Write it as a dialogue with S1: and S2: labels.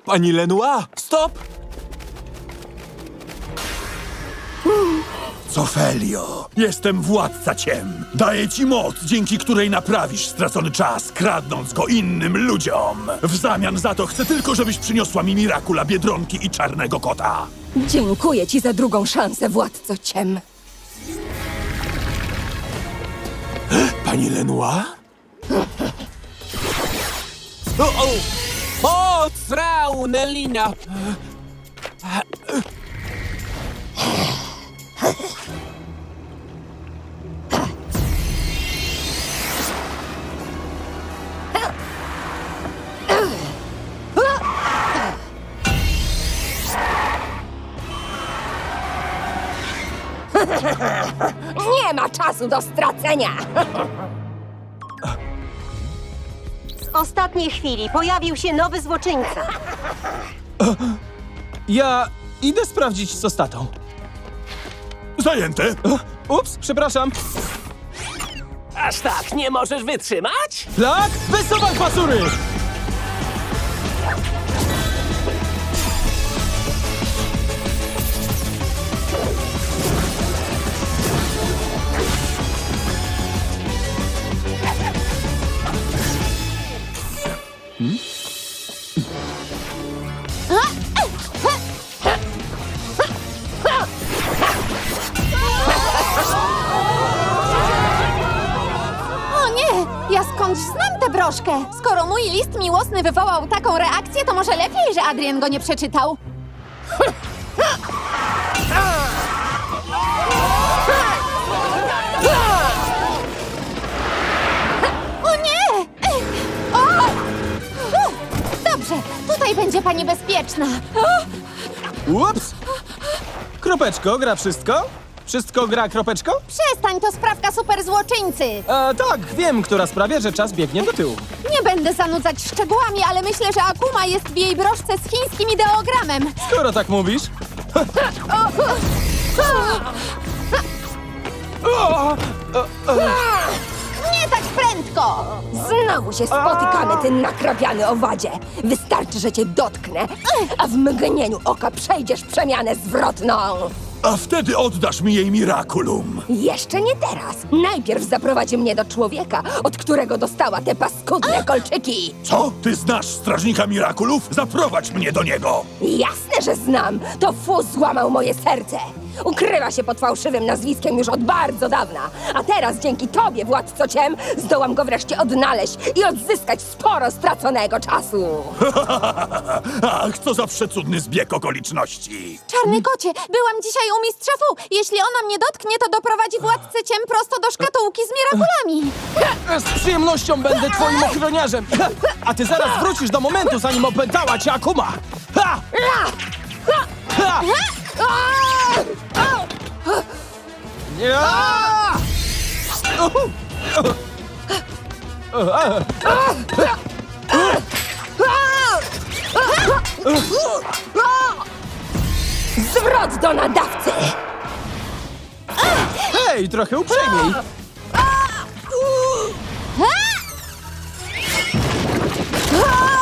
S1: Pani Lenoir, stop!
S2: Cofelio, jestem władca ciem. Daję ci moc, dzięki której naprawisz stracony czas, kradnąc go innym ludziom. W zamian za to chcę tylko, żebyś przyniosła mi Mirakula, Biedronki i Czarnego Kota.
S3: Dziękuję ci za drugą szansę, władco ciem.
S1: Pani Lenoir? O, srał, Nelina!
S3: Nie ma czasu do stracenia!
S4: W ostatniej chwili pojawił się nowy złoczyńca.
S5: Ja idę sprawdzić co z tatą.
S2: Zajęte?
S5: Ups, przepraszam.
S6: Aż tak nie możesz wytrzymać?
S5: Flak, wysuwaj pasury!
S7: O nie! Ja skądś znam tę broszkę. Skoro mój list miłosny wywołał taką reakcję, to może lepiej, że Adrian go nie przeczytał. O nie! O! Dobrze, tutaj będzie pani bezpieczna.
S5: Ups! Kropeczko, gra wszystko? Wszystko gra kropeczko?
S7: Przestań, to sprawka superzłoczyńcy.
S5: Tak, wiem, która sprawia, że czas biegnie do tyłu.
S7: Nie będę zanudzać szczegółami, ale myślę, że Akuma jest w jej broszce z chińskim ideogramem.
S5: Skoro tak mówisz.
S7: Nie tak prędko!
S3: Znowu się spotykamy, ty nakrapiany owadzie. Wystarczy, że cię dotknę, a w mgnieniu oka przejdziesz przemianę zwrotną.
S2: A wtedy oddasz mi jej Mirakulum.
S3: Jeszcze nie teraz. Najpierw zaprowadzi mnie do człowieka, od którego dostała te paskudne kolczyki.
S2: Co? Ty znasz strażnika Mirakulów? Zaprowadź mnie do niego.
S3: Jasne, że znam. To Fu złamał moje serce. Ukrywa się pod fałszywym nazwiskiem już od bardzo dawna. A teraz dzięki tobie, władco ciem, zdołam go wreszcie odnaleźć i odzyskać sporo straconego czasu.
S2: Ach, co za przecudny zbieg okoliczności.
S7: Czarny kocie, byłam dzisiaj u mistrza Fu. Jeśli ona mnie dotknie, to doprowadzi władcę ciem prosto do szkatułki z mirakulami.
S5: Z przyjemnością będę twoim ochroniarzem. A ty zaraz wrócisz do momentu, zanim opętała cię Akuma. Ha! Ha! Ja!
S3: Zwrot do nadawcy!
S5: Hej, trochę uprzejmiej.
S7: A!